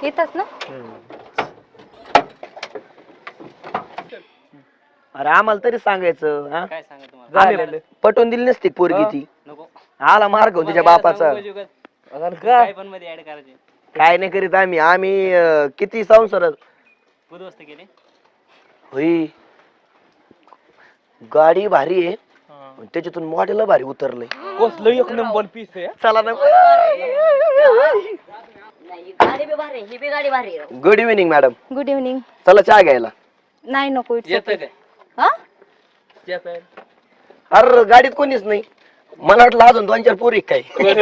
इथंच ना? अरे आम्हाला तरी सांगायचं हा? काय सांगा तुम्हाला आम्ही पटवून दिली नसती पोरगी ती. नको आला मार्ग होता तुझ्या बापाचा. काय पण मध्ये ऍड करायचे काय नाही करीत आम्ही किती संसार उद्ध्वस्त केले होई. गाडी भारी आहे त्याच्यातून मॉडेल भारी उतरलंय. कसलं एक नंबर पीस आहे. चला ना. गाडी बी भारी ही बी गाडी भारी आहे. Good evening madam. Good evening. चला चहा घ्यायला. नाही नको येतं काय हा येतं अरे गाडीत कोणीच नाही. मला वाटलं अजून 2-4 पोरी काय.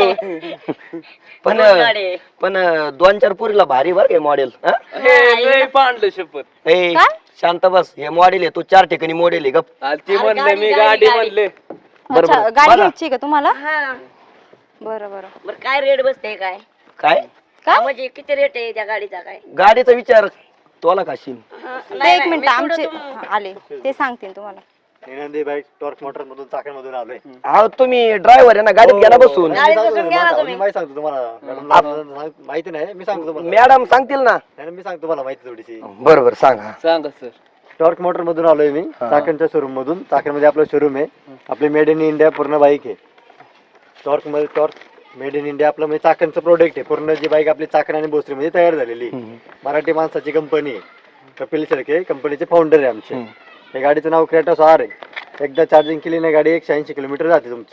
पण पण 2-4 पोरीला भारी बर मॉडेल. लय पांडलं शपथ. ए शांत बस. हे मॉडेल आहे तू 4 ठिकाणी मॉडेल आहे. गप. ते म्हणलं मी गाडी म्हणले. अच्छा गाडी घ्यायची का तुम्हाला? हा बरं बरं. बरं काय रेट बसते काय काय काय म्हणजे किती रेट आहे त्या गाडीचा काय? गाडीचा विचार तोला काशील. ते एक मिनिट आमचे आले ते सांगतील तुम्हाला. नंदी बाईक टॉर्क मोटर मधून चाकणमधून आलोय. अहो तुम्ही ड्रायव्हर आहे ना गाडीत गेला बसून. गाडीत बसून घ्या ना तुम्ही. मी माहिती सांगतो तुम्हाला. माहिती नाही मी सांगतो तुम्हाला. मॅडम सांगतील ना. मी सांगतो तुम्हाला माहिती थोडीशी. बरोबर सांगा. सांगा सर. टॉर्क मोटर मधून आलोय मी चाकणच्या शोरूम मधून. चाकणमध्ये आपलं शोरूम आहे. आपली मेड इन इंडिया पूर्ण बाईक आहे. टॉर्क मेड इन इंडिया आपलं म्हणजे चाकणचं प्रोडक्ट आहे. पूर्ण जी बाईक आपली चाकण आणि भोसरीमध्ये तयार झालेली. मराठी माणसाची कंपनी आहे. कपिल शेळके कंपनीचे फाउंडर आहे आमचे. या गाडीचं नाव क्रेटॉस आर आहे. एकदा चार्जिंग केली ना गाडी 180 किलोमीटर जाते तुमची.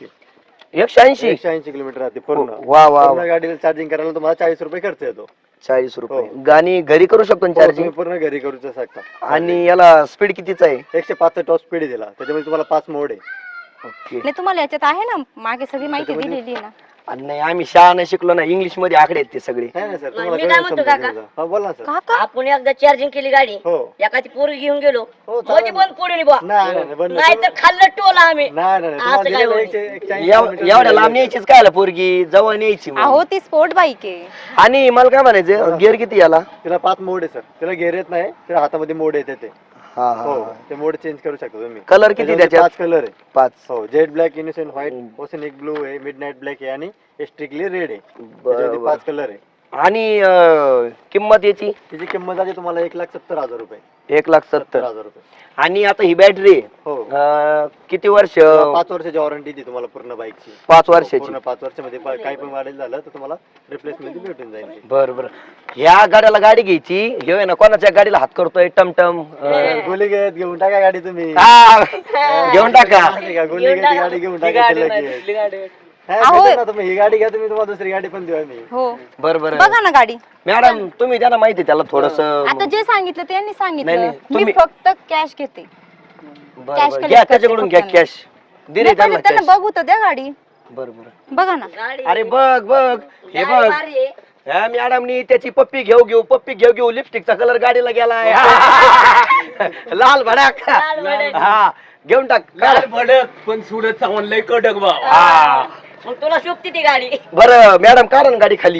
180 किलोमीटर जाते पूर्ण. वा वा. पूर्ण गाडीला चार्जिंग करायला तुम्हाला 40 रुपये खर्च येतो. 40 रुपये. गाणी घरी करू शकतो चार्जिंग. तुम्ही पूर्ण घरी करू शकता. आणि याला स्पीड कितीचा आहे? 105 टॉप स्पीड दिला. त्याच्यामध्ये तुम्हाला 5 मोड आहे. ओके. नाही तुम्हाला याच्यात आहे ना मागे सगळी माहिती दिलेली आहे ना. नाही आम्ही शाळा नाही शिकलो ना. इंग्लिश मध्ये आकडे आहेत ते सगळे. नाही सर मी तुम्हाला काय कळलं म्हणतो समजेल काका? माझं. हा बोला ना सर. काका आपण एकदा चार्जिंग केली गाडी हो एखादी पोरगी घेऊन गेलो हो, चालेल. मध्ये बंद पडून बुवा. नाही बंद नाही तर खाल्लं टोला आम्ही. नाही असं काय तुम्हाला होईल? दिलेलं 180 किलोमीटर एवढ्या लांब न्यायचीच काय आला पोरगी जवळ न्यायची मग. अहो ती स्पोर्ट बाईक आहे. आणि मला काय म्हणायचं गिअर किती याला? तिला 5 मोड आहे सर. तिला गेअर येत नाही. तिला हातामध्ये मोड येते ते. हा हो हा. ते मोड चेंज करू शकता तुम्ही. कलर किती त्याच्यात? 5 कलर आहे. 5. हो jet black, innocent white, oceanic blue आहे, मिडनाईट ब्लॅक आहे आणि स्ट्रिकली रेड आहे. त्याच्यामध्ये 5 कलर आहे. आणि किंमत याची? तिची किंमत आहे तुम्हाला 1,70,000 रुपये. 1,70,000 रुपये. आणि आता ही बॅटरी हो किती वर्ष? 5 वर्षाची वॉरंटी दी तुम्हाला पूर्ण बाईकची. 5 वर्षाची. पूर्ण 5 वर्षामध्ये काही पण मॉडेल झालं तर तुम्हाला रिप्लेसमेंट भेटून जाईल. बर बर. ह्या गाड्याला गाडी घ्यायची. हे आहे ना कोणाच्या गाडीला हात करतोय टमटम. गोली घेऊन टाका गाडी तुम्ही. हा, घेऊन टाका. गोली गाडी घेऊन टाका. तुम्ही ही गाडी घ्या तुम्ही तुम्हाला दुसरी गाडी पण देऊ आम्ही. हो बर बर. बघा ना गाडी. मॅडम तुम्ही त्यांना माहिती त्याला थोडस. आता जे सांगितलं त्यांनी नाही, सांगितलं. नाही, मी तुम्ही- फक्त कॅश घेते. cash collect घ्या करते त्याच्याकडून घ्या फक्त कॅश. दिले नाही, त्यांना पहिले त्यांना cash. बघू तर द्या गाडी. बर बर. बघा ना. गाडी अरे बघ बघ हे गाडी बघ. भारी आहे. ह्या मॅडमनी त्याची पप्पी घेऊ लिपस्टिकचा कलर गाडीला गेलाय. लाल भडाक. लाल भडक. हा घेऊन टाक. लाल भडक पण सुडत चावून लय कडक भाव. हा मग तुला शोभती ती गाडी. बर मॅडम काढा ना गाडी खाली.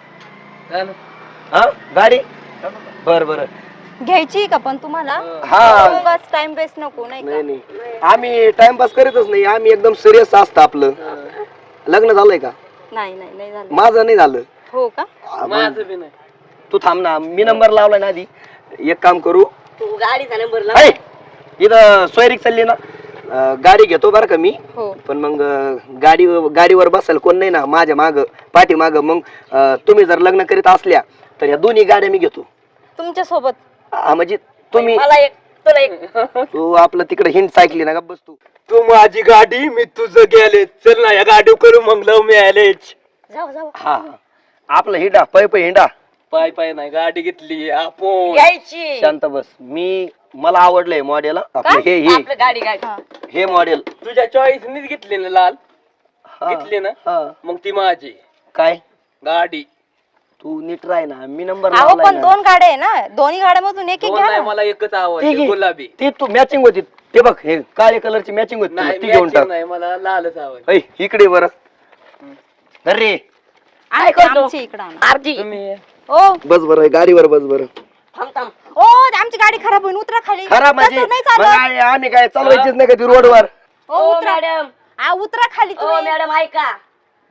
हा गाडी. बर बर. घ्यायची का पण तुम्हाला? हा. बस टाइम वेस्ट नको नाही नाही का? नाही आम्ही टाइमपास करीतच नाही. आम्ही एकदम सिरियस असतं आपलं. लग्न झालंय का? नाही नाही नाही झालं. माझं नाही झालं. हो का? माझं बी नाही. तू थांब ना. मी नंबर लावलाय ना आधी. एक काम करू. तू गाडीचा नंबर ऐ, इथं सोयरीक चालली ना. गाडी घेतो बरं का मी. हो पण मग गाडीवर बसायला कोण नाही ना माझ्या माग पाठी माग. मग तुम्ही जर लग्न करीत असल्या तर या दोन्ही गाड्या मी घेतो. तुमच्या सोबत. म्हणजे तुम्ही मला एक तुला एक. तू आपलं तिकडे हिंट ऐकली ना का बस तू. तू माझी गाडी मी तुझं गेले. चल ना या गाडी करू मग लव मॅरेज. जाऊ हा आपलं हिंडा पै हिंडा. पाय नाही गाडी घेतली आपण. घ्यायची. शांत बस. मला आवडलंय मॉडेल. आपलं हे आपलं गाडी गाडी. हे मॉडेल तुझ्या चॉईसनीच घेतली ना लाल. घेतली ना हा. मग ती माझी काय गाडी. तू नीट राह ना. मी नंबर अहो पण 2 गाड्या आहे ना. दोन्ही गाड्यामधून एक एक दोन घ्या नाही ना. मला एकच आवडते गुलाबी. ती तू मॅचिंग होती. ते बघ हे काळ्या कलरची मॅचिंग होती. नाही ती घेऊन matching टाक. नाही मला लालच आवडते. ऐ, इकडे बरं. अरे आमची इकडं आणा. आरती. तुम्ही ओ बस बरं गाडीवर बस बरं. थांब. ओ आमची गाडी खराब होईल. उतरा खाली. खराब म्हणजे तसं नाही मग चालत. आम्ही काय चालवायचीच नाही का ती रोडवर. ओ उतरा. मॅडम. उतरा खाली ओ तुम्ही. मॅडम ऐका.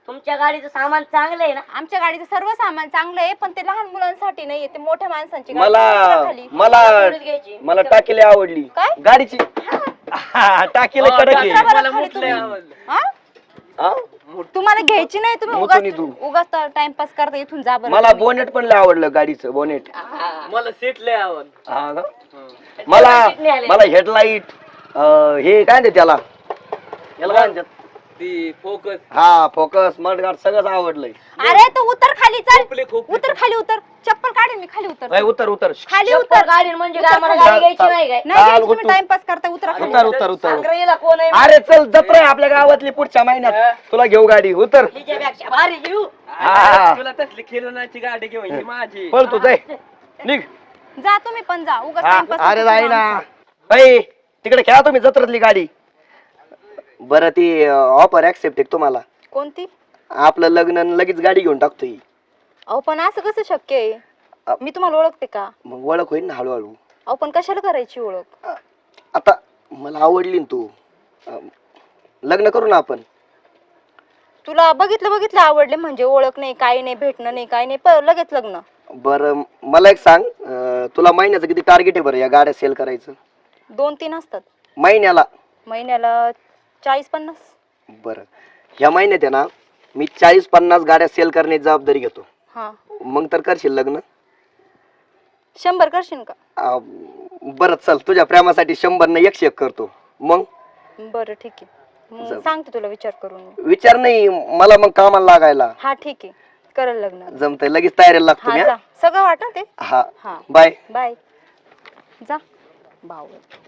तुमच्या गाडीचं सामान चांगलं आहे ना. आमच्या गाडीचं सर्व सामान चांगलं आहे, पण ते लहान मुलांसाठी नाहीये, ते मोठ्या माणसांची गाडी आहे. मला खाली. मला पोलीस घ्यायची. मला टाकीला आवडली काय? गाडीची टाकीला कडक आहे. उतरा बरं खाली तुम्ही. हा? हा? तुम्हाला घ्यायची नाही, तुम्ही मोठं उगाच तू. उगाच टाइमपास करता, इथून जा बरं मला तुम्ही. बोनेट पण लय आवडलं गाडीचं बोनेट. मला सीट लय आवड. हा का? मला हेडलाईट हे काय म्हणते त्याला याला काय म्हणतात? ती फोकस हा फोकस मडगार्ड सगळंच आवडलंय. अरे तू उतर खाली, चल खोपले. उतर खाली, उतर चप्पल काढेल मी, खाली उतर ए, उतर उतर खाली उतर उतर. गाडी म्हणजे काय आम्हाला गाडी घ्यायची नाही काय. नाही चाल, घ्यायची, तुम्ही उतर. टाइमपास करता, उतरा खाली. उतर उतर उतर सांगरेला कोण आहे. अरे चल जत्रा आहे आपल्या गावातली पुढच्या महिन्यात, तुला घेऊ गाडी. उतर. तिच्यापेक्षा भारी घेऊ. हा. तुला तसली खेळण्याची गाडी घेऊन ही माझी. पळ तू जाय निघ. जा तुम्ही पण जा, उगाच हा, टाइमपास अरे करता जाई ना आमचा. बाई तिकडे खेळा तुम्ही जत्रातली गाडी. बरं ती ऑफर ऍक्सेप्ट आहे तुम्हाला. कोणती? आपलं लग्न आणि लगेच गाडी घेऊन टाकतोय. अहो पण असं कसं शक्य आहे? मी तुम्हाला ओळखते का? मग ओळख होईल ना हळूहळू. अहो पण कशाला करायची ओळख? आता मला आवडली ना तू, लग्न करू ना आपण. तुला बघितलं आवडले म्हणजे ओळख नाही, काही नाही, भेटणं नाही, काही नाही, लगेच लग्न. बरं मला एक सांग, तुला महिन्याचं किती टार्गेट आहे बरं या गाड्या सेल करायचं? 2-3 असतात महिन्याला? महिन्याला 40-50. बरं ह्या महिन्यात आहे ना मी 40-50 गाड्या सेल करण्याची जबाबदारी घेतो. हा, मग तर करशील लग्न? 100 करशील का? बरं चल तुझ्या प्रेमासाठी 100 न 101 करतो. मग बरं ठीक आहे, मग सांगते तुला विचार करून मी. विचार नाही मला मग कामाला लागायला. हा ठीक आहे, करेल लग्न. जमतंय लगेच तयारीला लागतो हा मी. जा, सगळं वाटत ते. हा हा बाय. बाय. जा भाऊ.